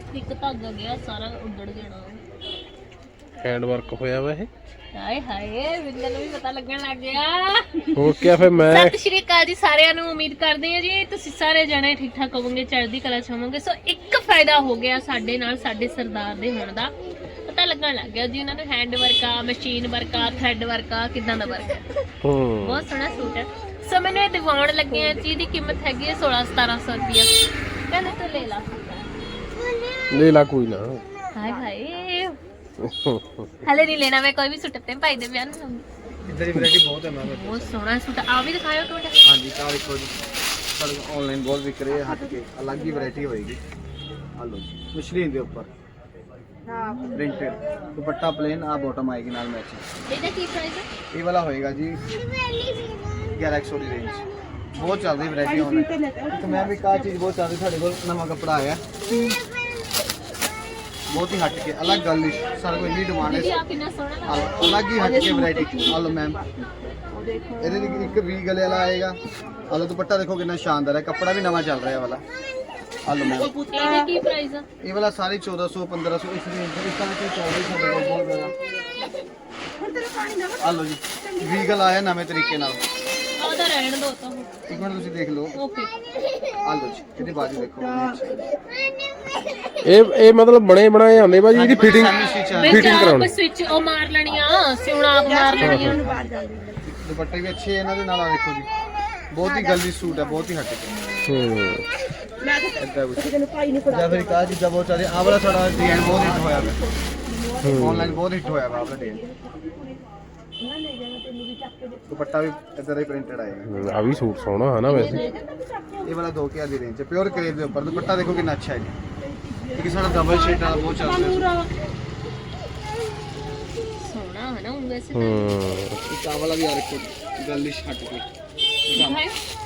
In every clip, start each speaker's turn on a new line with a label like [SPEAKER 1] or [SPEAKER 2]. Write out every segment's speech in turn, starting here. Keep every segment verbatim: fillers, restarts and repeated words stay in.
[SPEAKER 1] ਇੱਕ ਧਾਗਾ ਗਿਆ ਸਾਰਾ ਉੱਡੜ ਜਾਣਾ।
[SPEAKER 2] हैंड वर्क होया वा ये
[SPEAKER 1] ਹਾਏ ਹਾਏ ਮੈਨੂੰ ਵੀ ਪਤਾ ਲੱਗਣ ਲੱਗ ਗਿਆ।
[SPEAKER 2] और क्या फिर मैं
[SPEAKER 1] ਸਤਿ ਸ਼੍ਰੀ ਅਕਾਲ ਜੀ ਸਾਰਿਆਂ ਨੂੰ। ਉਮੀਦ ਕਰਦੇ ਹਾਂ ਜੀ ਤੁਸੀਂ ਸਾਰੇ ਜਣੇ ਠੀਕ ਠਾਕ ਹੋਵੋਗੇ, ਚੜ੍ਹਦੀ ਕਲਾ ਚ ਹੋਵੋਗੇ। ਸੋ ਇੱਕ ਫਾਇਦਾ ਹੋ ਗਿਆ ਸਾਡੇ ਨਾਲ, ਸਾਡੇ ਸਰਦਾਰ ਦੇ ਹੋਣ ਦਾ ਪਤਾ ਲੱਗਣ ਲੱਗ ਗਿਆ ਜੀ। ਉਹਨਾਂ ਨੂੰ ਹੈਂਡ ਵਰਕ ਆ, ਮਸ਼ੀਨ ਵਰਕ ਆ, ਥ੍ਰੈਡ ਵਰਕ ਆ, ਕਿਦਾਂ ਦਾ ਵਰਕ ਹੈ।
[SPEAKER 2] हम्म
[SPEAKER 1] ਬਹੁਤ ਸੋਹਣਾ ਸੂਟ ਹੈ। ਸੋ ਮੈਨੂੰ ਇਹ ਦਿਵਾਉਣ ਲੱਗੇ ਆ ਜੀ। ਦੀ ਕੀਮਤ ਹੈਗੀ ਹੈ सोलह सतारह सौ ਰੁਪਇਆ। ਕਹਿੰਦੇ ਤੂੰ ਲੈ ਲਾ
[SPEAKER 2] ले ला कोई ना।
[SPEAKER 1] ਹਾਏ ਹਾਏ ਹਲੇ ਨਹੀਂ ਲੈਣਾ ਮੈਂ ਕੋਈ ਵੀ ਸੂਟ ਤੇ ਭਾਈ ਦੇ ਵਿਆਹ ਨੂੰ ਲਾਉਂਗੀ।
[SPEAKER 3] इधर ही वैरायटी बहुत है मैम।
[SPEAKER 1] ਬਹੁਤ ਸੋਹਣਾ ਸੂਟ ਆ ਵੀ ਦਿਖਾਇਓ ਤੁਹਾਡਾ।
[SPEAKER 3] हाँ जी कार देखो जी सारे ऑनलाइन बहुत बिक रहे हैं, हट के अलग ही वैरायटी होएगी। हेलो जी मशीन के ऊपर प्रिंटेड दुपट्टा प्लेन आ बॉटम आएगी नाल मैचिंग।
[SPEAKER 1] ਇਹਦਾ ਕੀ ਪ੍ਰਾइस ਹੈ?
[SPEAKER 3] ये वाला होएगा जी ग्यारह सौ की रेंज। बहुत चल रही वैरायटी ऑनलाइन। तो मैं भी कहा चीज़ बहुत चल रही साढ़े को नवा कपड़ा आया बहुत ही हट के अलग गल सारे को इन्नी डिमांड
[SPEAKER 1] ਦੀਦੀ
[SPEAKER 3] है।
[SPEAKER 1] ਆ ਕਿੰਨਾ ਸੋਹਣਾ ਲੱਗਦਾ।
[SPEAKER 3] अलग ही हट के वैरायटी। हेलो मैम ਇਹਦੇ ਲਈ ਇੱਕ ਵੀ ਗਲੇ ਵਾਲਾ ਆਏਗਾ। ਆਲੋ ਦੁਪੱਟਾ ਦੇਖੋ ਕਿੰਨਾ ਸ਼ਾਨਦਾਰ ਹੈ, ਕੱਪੜਾ ਵੀ ਨਵਾਂ ਚੱਲ ਰਿਹਾ ਵਾਲਾ। ਆਲੋ ਮੈਮ
[SPEAKER 1] ਇਹਦਾ ਕੀ ਪ੍ਰਾइस ਹੈ?
[SPEAKER 3] ਇਹ ਵਾਲਾ ਸਾਰੇ चौदह सौ पंद्रह सौ ਇਸ ਰੇਂਜ ਦੇ ਇਸ ਤਰ੍ਹਾਂ ਕੋਈ ਚੱਲ ਰਹੀ ਸਾਡੇ ਕੋਲ ਬਹੁਤ ਜ਼ਿਆਦਾ। ਆਲੋ ਜੀ ਵੀ ਗਲ ਆਇਆ ਨਵੇਂ ਤਰੀਕੇ ਨਾਲ।
[SPEAKER 1] ਉਹਦਾ ਰਹਿਣ ਦੋ ਤਾਂ
[SPEAKER 3] ਇੱਕ ਮਿੰਟ ਤੁਸੀਂ ਦੇਖ ਲਓ।
[SPEAKER 1] ਓਕੇ।
[SPEAKER 3] ਆਲੋ ਜੀ ਇਹਦੀ ਬਾਜੂ ਦੇਖੋ।
[SPEAKER 2] ਇਹ ਇਹ ਮਤਲਬ ਬਣੇ ਬਣਾਏ ਆਉਂਦੇ ਭਾਜੀ, ਇਹਦੀ ਫਿਟਿੰਗ
[SPEAKER 1] ਵਿੱਚ
[SPEAKER 2] ਫਿਟਿੰਗ
[SPEAKER 1] ਆਪ
[SPEAKER 2] ਕਰਾਉਣੀ।
[SPEAKER 1] ਸਵਿਚ ਉਹ ਮਾਰ ਲੈਣੀ ਆ, ਸਿਉਣਾ ਆਪ ਮਾਰ ਲੈਣੀ ਆ।
[SPEAKER 3] ਦੁਪੱਟੇ ਵੀ ਅੱਛੇ ਇਹਨਾਂ ਦੇ ਨਾਲ ਆ ਦੇਖੋ ਜੀ। ਬਹੁਤ ਹੀ ਗਲਦੀ ਸੂਟ ਹੈ, ਬਹੁਤ ਹੀ ਹਟ ਕੇ।
[SPEAKER 2] ਹੂੰ
[SPEAKER 3] ਇੱਦਾਂ ਕੁਝ ਜਾਂ ਫਿਰ ਕਾ ਚੀਜ਼ਾਂ ਬਹੁਤ ਚੱਲਦੀ। ਆਹ ਵਾਲਾ ਸਾਡਾ ਡਿਜ਼ਾਈਨ ਬਹੁਤ ਹਿੱਟ ਹੋਇਆ ਵਾ ਆਨਲਾਈਨ, ਬਹੁਤ ਹਿੱਟ ਹੋਇਆ ਵਾ ਆਹ ਵਾਲਾ ਡਿਜ਼ਾਈਨ। ਦੁਪੱਟਾ ਵੀ ਇਦਾਂ ਦਾ ਹੀ ਪ੍ਰਿੰਟਡ ਆਏਗਾ।
[SPEAKER 2] ਆ ਵੀ ਸੂਟ ਸੋਹਣਾ ਹੈ ਨਾ ਵੈਸੇ।
[SPEAKER 3] ਇਹ ਵਾਲਾ दो हज़ार ਦੀ ਰੇਂਜ ਚ ਪਿਓਰ ਕਰੇਪ ਦੇ ਉੱਪਰ ਦੁਪੱਟਾ ਦੇਖੋ ਕਿੰਨਾ ਅੱਛਾ ਹੈ ਜੀ। ਇੱਕ ਸਾਡਾ ਡਬਲ ਸ਼ੇਡ ਵਾਲਾ ਬਹੁਤ ਚੱਲ ਰਿਹਾ।
[SPEAKER 1] ਸੋਹਣਾ ਹੈ ਨਾ ਉਹ ਵੈਸੇ
[SPEAKER 2] ਹੂੰ
[SPEAKER 3] ਇੱਕ ਆਹ ਵਾਲਾ ਵੀ ਆ ਰੱਖੋ ਗਲਿਸ਼ ਹਟ ਕੇ।
[SPEAKER 1] ਤਾਂ।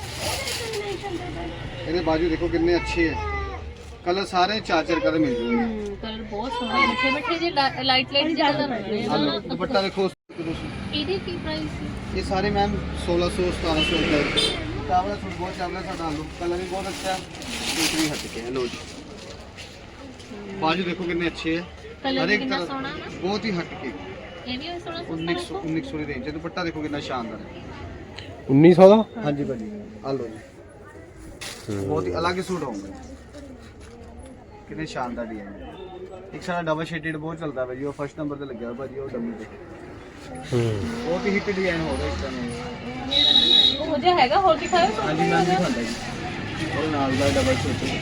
[SPEAKER 3] ਇਹਦੇ ਬਾਜੂ ਦੇਖੋ ਕਿੰਨੇ ਅੱਛੇ ਹੈ, ਕਲਰ ਸਾਰੇ ਚਾਰ ਚਾਰ ਕਲਰ ਮਿਲ ਜੂਗੇ।
[SPEAKER 1] ਹੂੰ ਕਲਰ ਬਹੁਤ ਸੋਹਣਾ, ਮਿੱਠੇ ਮਿੱਠੇ ਜਿਹੇ ਲਾਈਟ ਲਾਈਟ ਜਿਹੇ ਕਲਰ ਹੋਣੇ
[SPEAKER 3] ਆਹ ਲਓ
[SPEAKER 1] ਆ।
[SPEAKER 3] ਦੁਪੱਟਾ ਦੇਖੋ।
[SPEAKER 1] ਇਹਦੀ ਕੀ ਪ੍ਰਾइस ਹੈ?
[SPEAKER 3] ਇਹ ਸਾਰੇ ਮੈਮ सोलह सौ सतारह सौ ਦਾ ਆਹ ਵਾਲਾ ਸੂਟ ਬਹੁਤ ਚੱਲ ਰਿਹਾ ਸਾਡਾ। ਆਲੂ ਕਲਰ ਵੀ ਬਹੁਤ ਅੱਛਾ ਹੈ, ਇਹ ਵੀ ਹਟ ਕੇ ਹੈ। ਲੋ ਜੀ ਬਾਜੂ ਦੇਖੋ ਕਿੰਨੇ ਅੱਛੇ ਹੈ,
[SPEAKER 1] ਕਲਰ
[SPEAKER 3] ਹਰ ਇੱਕ
[SPEAKER 1] ਕਿੰਨਾ
[SPEAKER 3] ਤਰ੍ਹਾਂ
[SPEAKER 1] ਸੋਹਣਾ ਹੈ ਨਾ।
[SPEAKER 3] ਬਹੁਤ ਹੀ ਹਟ ਕੇ।
[SPEAKER 1] ਇਹ ਵੀ ਸੋਹਣਾ
[SPEAKER 3] उन्नीस सौ उन्नीस सौ ਦੀ ਰੇਂਜ। ਦੁਪੱਟਾ ਦੇਖੋ ਕਿੰਨਾ ਸ਼ਾਨਦਾਰ ਹੈ।
[SPEAKER 2] उन्नीस सौ ਦਾ।
[SPEAKER 3] ਹਾਂਜੀ ਭਾਜੀ ਆ ਲੋ ਜੀ ਬਹੁਤ ਹੀ ਅਲੱਗ ਸੂਟ ਹੋਊਗਾ। ਕਿੰਨੇ ਸ਼ਾਨਦਾਰ ਡਿਜ਼ਾਈਨ। ਇੱਕ ਸਾਡਾ ਡਬਲ ਸ਼ੇਡਡ ਬਹੁਤ ਚੱਲਦਾ ਭਾਜੀ, ਉਹ ਫਸਟ ਨੰਬਰ ਤੇ ਲੱਗਿਆ ਹੋਇਆ ਭਾਜੀ, ਉਹ ਡਮੀ ਤੇ
[SPEAKER 2] ਹੂੰ
[SPEAKER 3] ਬਹੁਤ ਹੀ ਹਿੱਟ ਡਿਜ਼ਾਈਨ ਹੋ ਰਿਹਾ ਇਸ ਤਰ੍ਹਾਂ।
[SPEAKER 1] ਉਹ ਜਿਹਾ ਹੈਗਾ, ਹੋਰ ਦਿਖਾਓ।
[SPEAKER 3] ਹਾਂਜੀ ਮੈਂ ਦਿਖਾਉਂਦਾ ਜੀ ਉਹ ਨਾਲ ਦਾ ਡਬਲ ਸ਼ੇਡ।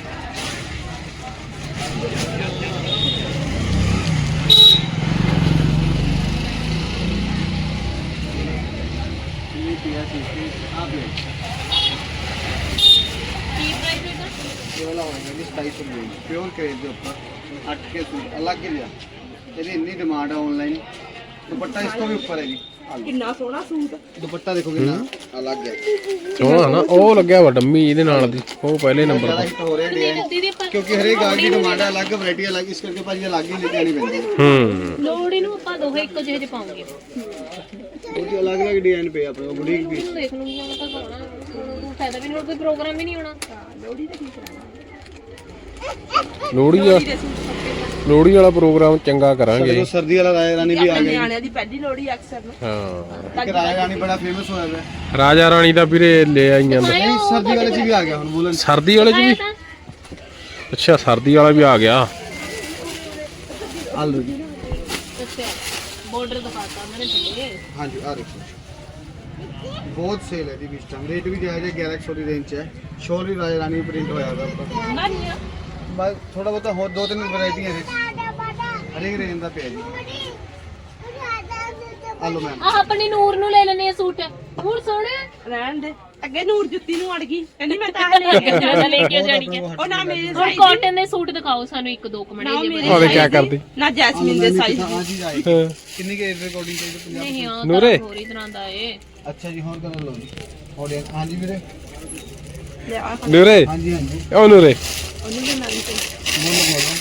[SPEAKER 3] ਇਹ ਪਿਆ ਸੀ ਆ ਪਿਆ
[SPEAKER 1] ਕੀ ਪ੍ਰਾइस ਹੈ?
[SPEAKER 3] ਇਹ ਵਾਲਾ ਹੋਏਗਾ ਜੀ सताईस सौ ਰੁਪਏ ਪਿਓਰ ਕਰੇਪ ਦੇ ਉੱਪਰ ਹਟ ਕੇ ਸੂਟ ਅਲੱਗ ਹੀ ਲਿਆ। ਇਹਦੀ ਇੰਨੀ ਡਿਮਾਂਡ ਹੈ ਆਨਲਾਈਨ। ਦੁਪੱਟਾ ਇਸ ਤੋਂ ਵੀ ਉੱਪਰ ਹੈ ਜੀ।
[SPEAKER 4] ਕਿੰਨਾ ਸੋਹਣਾ ਸੂਟ।
[SPEAKER 3] ਦੁਪੱਟਾ ਦੇਖੋ ਕਿੰਨਾ ਅਲੱਗ ਹੈ,
[SPEAKER 2] ਸੋਹਣਾ ਨਾ। ਉਹ ਲੱਗਿਆ ਵਾ ਡੰਮੀ ਇਹਦੇ ਨਾਲ ਦੀ, ਉਹ ਪਹਿਲੇ ਨੰਬਰ
[SPEAKER 3] ਜ਼ਿਆਦਾ
[SPEAKER 2] ਤੇ।
[SPEAKER 3] ਹਿੱਟ ਹੋ ਰਿਹਾ ਡਿਜ਼ਾਈਨ
[SPEAKER 1] ਦੀਦੀ ਪਰ
[SPEAKER 3] ਕਿਉਂਕਿ ਹਰੇਕ ਗਾਹਕ ਦੀ ਡਿਮਾਂਡ ਹੈ ਅਲੱਗ, ਵੈਰਾਈਟੀ ਅਲੱਗ, ਇਸ ਕਰਕੇ ਭਾਜੀ ਅਲੱਗ ਹੀ ਲੈ ਕੇ ਆਣੀ ਪੈਂਦੀ ਹੈ।
[SPEAKER 2] ਹੂੰ
[SPEAKER 1] ਲੋੜੀ ਨੂੰ ਆਪਾਂ ਦੋਹੇ ਇੱਕੋ ਜਿਹੇ ਜਿਹੇ ਪਾਉਂਗੇ।
[SPEAKER 3] ਬਹੁਤ ਹੀ ਅਲੱਗ ਅਲੱਗ ਡਿਜ਼ਾਈਨ ਪਏ ਆਪਣੇ ਕੋਲ ਬੁਟੀਕ ਵੀ।
[SPEAKER 1] ਹੁਣ ਦੇਖ ਲੂੰਗੀ ਹੁਣ ਤਾਂ ਸੋਹਣਾ ਹੁਣ ਫਾਇਦਾ ਵੀ ਨਹੀਂ, ਹੁਣ ਕੋਈ ਪ੍ਰੋਗਰਾਮ ਵੀ ਨਹੀਂ ਹੋਣਾ।
[SPEAKER 4] ਲੋਹੜੀ ਤੇ ਕੀ ਕਰਾਂਗੇ?
[SPEAKER 2] ਲੋਹੜੀ ਆ ਲੋਹੜੀ ਵਾਲਾ ਪ੍ਰੋਗਰਾਮ ਚੰਗਾ ਕਰਾਂਗੇ।
[SPEAKER 3] ਜਦੋਂ ਸਰਦੀ ਵਾਲਾ ਰਾਜਾ ਰਾਣੀ ਵੀ ਆ
[SPEAKER 4] ਆਪਣੇ
[SPEAKER 3] ਗਿਆ।
[SPEAKER 4] ਨਿਆਣਿਆਂ ਦੀ ਪਹਿਲੀ ਲੋਹੜੀ ਅਕਸਰ ਨੂੰ।
[SPEAKER 2] ਹਾਂ
[SPEAKER 3] ਇੱਕ ਰਾਜਾ ਰਾਣੀ ਬੜਾ ਫੇਮਸ ਹੋਇਆ ਹੋਇਆ।
[SPEAKER 2] ਰਾਜਾ ਰਾਣੀ ਦਾ ਵੀਰੇ ਲੈ ਆਈਆਂ ਦਾ।
[SPEAKER 3] ਨਹੀਂ ਸਰਦੀ ਵਾਲੇ ਚ ਵੀ ਆ ਗਿਆ ਹੁਣ ਬੋਲਣ।
[SPEAKER 2] ਸਰਦੀ ਵਾਲੇ ਚ ਵੀ।
[SPEAKER 1] ਤਾਂ
[SPEAKER 2] ਅੱਛਾ ਸਰਦੀ ਵਾਲਾ ਵੀ ਆ ਗਿਆ।
[SPEAKER 3] ਆਲੂ ਜੀ
[SPEAKER 1] ਅੱਛਾ ਬਾਰਡਰ ਦਿਖਾਤਾ ਮੈंने ਥੱਲੇ।
[SPEAKER 3] ਹਾਂਜੀ ਆ ਦੇਖੋ ਬਹੁਤ ਸੇਲ ਹੈ ਜੀ ਇਸ ਟਾਈਮ। ਰੇਟ ਵੀ ਜਾਇਜ਼ ਹੈ, ग्यारह सौ ਦੀ ਰੇਂਜ ਚ ਹੈ। ਸ਼ੋਰ ਵੀ ਰਾਜਾ ਰਾਣੀ ਪ੍ਰਿੰਟ ਹੋਇਆ ਹੋਇਆ ਉੱਪਰ।
[SPEAKER 1] ਨਾ ਨਹੀਂ ਆ
[SPEAKER 3] ਬਸ ਥੋੜਾ ਬਹੁਤਾ ਹੋਰ ਦੋ ਤਿੰਨ ਵੈਰਾਈਟੀਆਂ ਇਹਦੇ ਹਰੇਕ ਰੇਂਜ ਦਾ ਪਿਆ ਜੀ। ਆਲੂ ਮੈਮ
[SPEAKER 1] ਆਹ ਆਪਣੀ ਨੂਰ ਨੂੰ ਲੈ ਲੈਣੇ ਆ ਸੂਟ। ਨੂਰ ਸੋਹਣਾ
[SPEAKER 4] ਰਹਿਣ ਦੇ। ਅੱਗੇ ਨੂਰ ਜੁੱਤੀ ਨੂੰ ਅੜ ਗਈ, ਕਹਿੰਦੀ ਮੈਂ ਤਾਂ ਲੈ ਕੇ
[SPEAKER 1] ਜਿਆਦਾ ਲੈ ਕੇ ਜਾਣੀ ਹੈ।
[SPEAKER 4] ਉਹ ਨਾ ਮੇਰੇ
[SPEAKER 1] ਹੁਣ
[SPEAKER 4] ਸਾਈਜ਼
[SPEAKER 1] ਕਾਟਨ ਦੇ ਸੂਟ ਦਿਖਾਓ ਸਾਨੂੰ ਇੱਕ ਦੋ ਕਮੜੇ
[SPEAKER 4] ਨਾ
[SPEAKER 1] ਜੇ
[SPEAKER 4] ਮੇਰੇ
[SPEAKER 2] ਉਹਦੇ ਕਿਆ
[SPEAKER 4] size
[SPEAKER 2] ਕਰਦੀ?
[SPEAKER 4] ਨਾ ਜੈਸਮੀਨ ਦੇ ਸਾਈਜ਼
[SPEAKER 3] ਆ ਚੀਜ਼ ਆਈ
[SPEAKER 2] ਹਾਂ।
[SPEAKER 3] ਕਿੰਨੀ ਕੇ ਰਿਕਾਰਡਿੰਗ ਚਾਹੀਦੀ ਪੰਜਾਹ?
[SPEAKER 1] ਨਹੀਂ ਆ
[SPEAKER 2] ਨੂਰੇ।
[SPEAKER 1] ਹੋਰ ਹੀ ਤਰ੍ਹਾਂ ਦਾ ਏ।
[SPEAKER 3] ਅੱਛਾ ਜੀ ਹੋਰ ਕਲਰ ਲਓ ਜੀ। ਆਡੀਅנס ਹਾਂਜੀ ਵੀਰੇ
[SPEAKER 4] ਲਿਆ
[SPEAKER 2] ਨੂਰੇ
[SPEAKER 3] ਹਾਂਜੀ ਹਾਂਜੀ
[SPEAKER 2] ਉਹ ਨੂਰੇ
[SPEAKER 4] ਉਹਨੂੰ ਵੀ ਨਾਲ ਤੇ
[SPEAKER 3] ਬੋਲੋ ਬੋਲੋ